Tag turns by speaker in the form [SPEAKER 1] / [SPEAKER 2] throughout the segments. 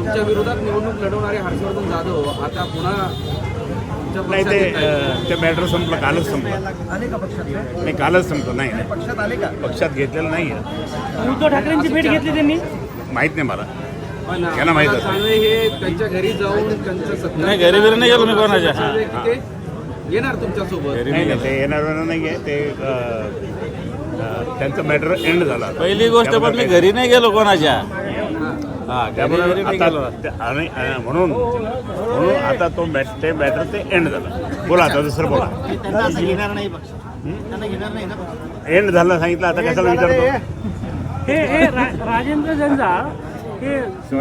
[SPEAKER 1] तुमच्या विरोधात निवडणूक लढवणारे हर्षवर्धन जाधव आता पुन्हा
[SPEAKER 2] नाही ते मॅटर संपलं, कालच संपलं.
[SPEAKER 3] आले का पक्षात
[SPEAKER 2] नाही, कालच संपलं. नाही
[SPEAKER 3] पक्षात आले का?
[SPEAKER 2] पक्षात घेतलेलं नाही आहे.
[SPEAKER 4] उद्धव ठाकरेंची भेट घेतली त्यांनी.
[SPEAKER 2] माहीत नाही मला.
[SPEAKER 1] पण
[SPEAKER 2] त्यांना माहित
[SPEAKER 1] आम्हाला
[SPEAKER 2] असेल.
[SPEAKER 1] सांगवे हे त्यांच्या घरी जाऊन त्यांचं सत्कार
[SPEAKER 4] नाही, घरी बिरी नाही गेलो मी कोणाच्या.
[SPEAKER 1] सांगवे की ते येणार तुमच्यासोबत.
[SPEAKER 2] नाही नाही, ते येणार नाही आहे. ते त्यांचं मॅटर एंड झाला.
[SPEAKER 4] पहिली गोष्ट पण मी घरी नाही गेलो कोणाच्या.
[SPEAKER 2] त्यामुळे आता म्हणून आता तो ते मॅटर ते एंड झाला. बोला आता दुसरं बोला. एंड झालं सांगितलं, आता कशाला विचारतो.
[SPEAKER 4] हे राजेंद्र जंजाळ हे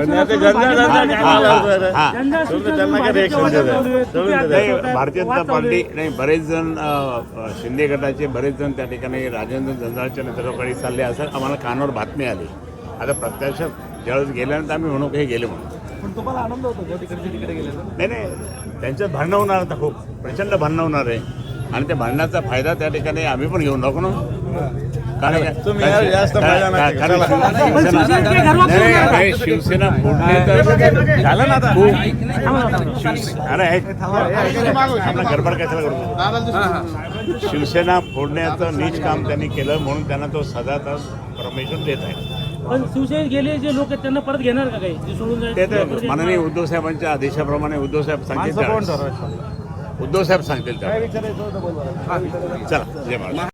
[SPEAKER 2] भारतीय जनता पार्टी नाही, बरेच जण शिंदे गटाचे बरेच जण त्या ठिकाणी राजेंद्र जंजाळच्या नेतृत्वाखाली चालले असं आम्हाला कानावर बातमी आली. आता प्रत्यक्षात ज्यावेळेस गेल्यानंतर आम्ही म्हणू हे गेले म्हणून.
[SPEAKER 3] पण तुम्हाला आनंद होतो तिकडे गेले
[SPEAKER 2] नाही नाही, त्यांच्यात भांडणं होणार, आता खूप प्रचंड भांडणं होणार आहे. आणि त्या भांडणाचा फायदा त्या ठिकाणी आम्ही पण घेऊन टाकू ना. शिवसेना फोडणे तर झालं ना आता. अरे गडबड कशाला करतो. शिवसेना फोडण्याचं नीच काम त्यांनी केलं म्हणून त्यांना तो सदा परमिशन देत आहे.
[SPEAKER 4] पण शिवसेनेत गेले जे लोक आहेत त्यांना परत घेणार का काही सोडून
[SPEAKER 2] ते तर माननीय उद्धव साहेबांच्या आदेशाप्रमाणे उद्धव साहेब सांगतील. उद्धव साहेब सांगतील. चला, जय महाराज.